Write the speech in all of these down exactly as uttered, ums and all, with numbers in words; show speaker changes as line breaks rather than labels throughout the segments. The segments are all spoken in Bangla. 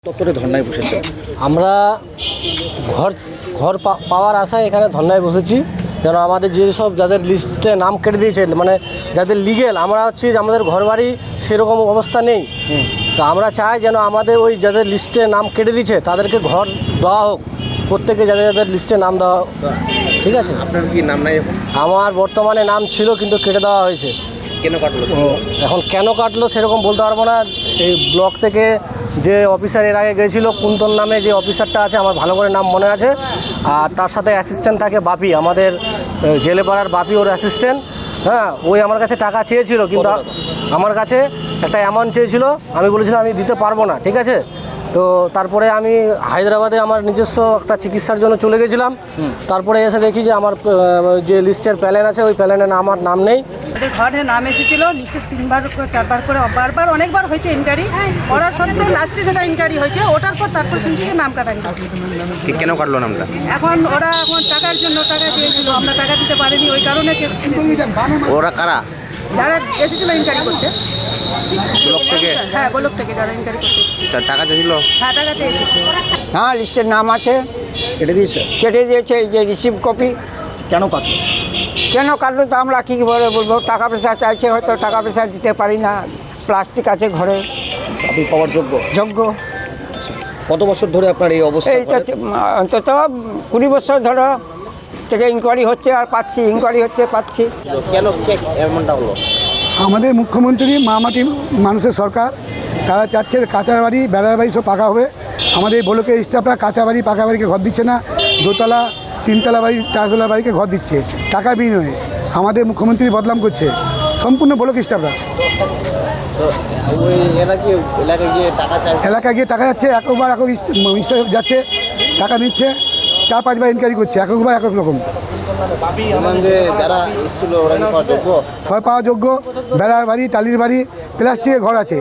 দপ্তরে ধর্নায় বসেছে।
আমরা ঘর ঘর পাওয়ার আশায় এখানে ধর্নায় বসেছি, যেন আমাদের যেসব যাদের লিস্টে নাম কেটে দিয়েছে, মানে যাদের লিগেল, আমরা হচ্ছি আমাদের ঘর বাড়ি সেরকম অবস্থা নেই। তো আমরা চাই যেন আমাদের ওই যাদের লিস্টে নাম কেটে দিয়েছে তাদেরকে ঘর দেওয়া হোক, প্রত্যেকে যাদের যাদের লিস্টে নাম দেওয়া হোক। ঠিক আছে,
আপনার কি নাম নাই এখন?
আমার বর্তমানে নাম ছিল কিন্তু কেটে দেওয়া হয়েছে।
কেন কাটলো?
এখন কেন কাটলো সেরকম বলতে পারবো না। এই ব্লক থেকে যে অফিসার এর আগে গেছিলো, কুন্তন নামে যে অফিসারটা আছে, আমার ভালো করে নাম মনে আছে, আর তার সাথে অ্যাসিস্ট্যান্ট থাকে বাপি, আমাদের জেলেপাড়ার বাপি ওর অ্যাসিস্ট্যান্ট। হ্যাঁ, ওই আমার কাছে টাকা চেয়েছিল, কিন্তু আমার কাছে একটা অ্যামাউন্ট চেয়েছিল, আমি বলেছিলাম আমি দিতে পারবো না। ঠিক আছে, তো তারপরে আমি হায়দ্রাবাদে আমার নিজস্ব একটা চিকিৎসার জন্য চলে গেছিলাম। তারপরে এসে দেখি যে আমার যে লিস্টের প্ল্যান আছে ওই প্ল্যানে আমার নাম নেই।
আমাদের ঘরে নাম এসেছিল লিস্টে তিনবার করে চারবার করে বারবার অনেকবার হয়েছে ইনকোয়ারি করার সত্ত্বেও লাস্টে যেটা ইনকোয়ারি হয়েছে ওটার পর তারপর শুনছি যে নাম কাটা
কি কেন কাটলো নামটা?
এখন ওরা এখন টাকার জন্য টাকা চেয়েছিল, আমরা টাকা দিতে পারিনি, ওই কারণে
ওরা কারা?
যারা এসেছিল ইনকোয়ারি করতে
ব্লক থেকে?
হ্যাঁ, ব্লক থেকে যারা ইনকোয়ারি করতে এসেছিল।
টাকা চেয়েছিল?
হ্যাঁ, টাকা চেয়েছিল।
হ্যাঁ, লিস্টের নাম আছে,
কেটে দিয়েছে
কেটে দিয়েছে। এই যে রিসিভ কপি।
কেন কাটলো?
কেন কাটলো তো আমরা কী বলে বলবো, টাকা পয়সা চাইছে, হয়তো টাকা পয়সা দিতে পারি না, প্লাস্টিক আছে ঘরে।
আপনি পাওয়ার যোগ্য?
যোগ্য।
কত বছর ধরে আপনার এই অবস্থা?
এইটা অন্তত কুড়ি বছর ধরো থেকে ইনকোয়ারি হচ্ছে আর পাচ্ছি, ইনকোয়ারি হচ্ছে পাচ্ছি।
কেন এমনটা হলো?
আমাদের মুখ্যমন্ত্রী মামাটি মানুষের সরকার, তারা চাচ্ছে কাঁচা বাড়ি বেড়ার বাড়ি সব পাকা হবে। আমাদের ব্লকের স্টাফরা কাঁচা বাড়ি পাকা বাড়িকে ঘর দিচ্ছে না, দোতলা তিনতলা বাড়ি চারতলা বাড়িকে ঘর দিচ্ছে টাকা বিনিময়ে। আমাদের মুখ্যমন্ত্রী বদনাম করছে সম্পূর্ণ ব্লক স্টাফরা। এলাকায় গিয়ে টাকা যাচ্ছে, একবার একক স্টাফ যাচ্ছে টাকা নিচ্ছে, চার পাঁচবার ইনকোয়ারি করছে, একবার এক এক রকম। ছয় পাওয়া যোগ্য, বেড়ার বাড়ি টালির বাড়ি প্লাস্টিকের ঘর আছে।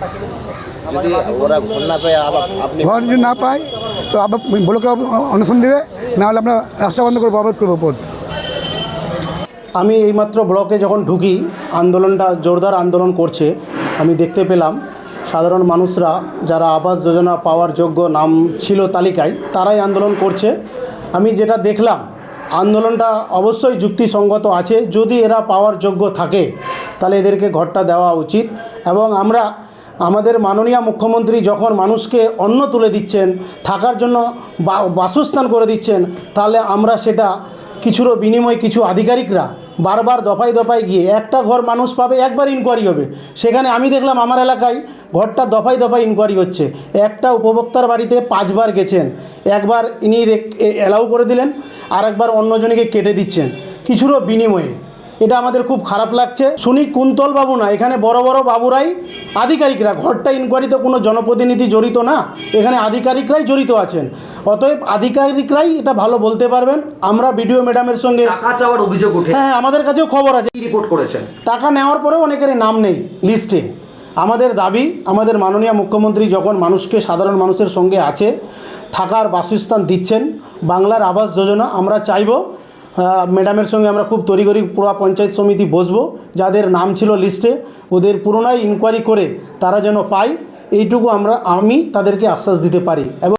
ঘর যদি না পায় তো আবার ব্লকে অনশন দেবে, না হলে আমরা রাস্তা বন্ধ করবো, অবরোধ করবো পথ।
আমি এইমাত্র ব্লকে যখন ঢুকি, আন্দোলনটা জোরদার আন্দোলন করছে, আমি দেখতে পেলাম সাধারণ মানুষরা যারা আবাস যোজনা পাওয়ার যোগ্য নাম ছিল তালিকায়, তারাই আন্দোলন করছে। আমি যেটা দেখলাম, আন্দোলনটা অবশ্যই যুক্তিসঙ্গত আছে। যদি এরা পাওয়ার যোগ্য থাকে তাহলে এদেরকে ঘরটা দেওয়া উচিত। এবং আমরা আমাদের মাননীয় মুখ্যমন্ত্রী যখন মানুষকে অন্ন তুলে দিচ্ছেন, থাকার জন্য বাসস্থান করে দিচ্ছেন, তাহলে আমরা সেটা কিছুরও বিনিময়ে কিছু আধিকারিকরা বারবার দফায় দফায় গিয়ে একটা ঘর মানুষ পাবে, একবার ইনকোয়ারি হবে। সেখানে আমি দেখলাম আমার এলাকায় ঘরটা দফায় দফায় ইনকোয়ারি হচ্ছে। একটা উপভোক্তার বাড়িতে পাঁচবার গেছেন, একবার ইনি অ্যালাউ করে দিলেন, আর একবার অন্যজনকে কেটে দিচ্ছেন কিছুরও বিনিময়ে। এটা আমাদের খুব খারাপ লাগছে। শুনি কুন্তল বাবু না, এখানে বড় বড় বাবুরাই আধিকারিকরা, ঘরটা ইনকোয়ারিতে কোনো জনপ্রতিনিধি জড়িত না, এখানে আধিকারিকরাই জড়িত আছেন। অতএব আধিকারিকরাই এটা ভালো বলতে পারবেন। আমরা বিডিও ম্যাডামের সঙ্গে
টাকা চাওয়ার অভিযোগ উঠে,
হ্যাঁ, আমাদের কাছেও খবর আছে,
রিপোর্ট করেছেন।
টাকা নেওয়ার পরেও অনেকেরই নাম নেই লিস্টে। আমাদের দাবি, আমাদের মাননীয় মুখ্যমন্ত্রী যখন মানুষকে, সাধারণ মানুষের সঙ্গে আছে, থাকার বাসস্থান দিচ্ছেন, বাংলার আবাস যোজনা, আমরা চাইব ম্যাডামের সঙ্গে আমরা খুব তড়িঘড়ি পুরো পঞ্চায়েত সমিতি বসবো, যাদের নাম ছিল লিস্টে ওদের পুনরায় ইনকোয়ারি করে তারা যেন পায়, এইটুকু আমরা আমি তাদেরকে আশ্বাস দিতে পারি। এবং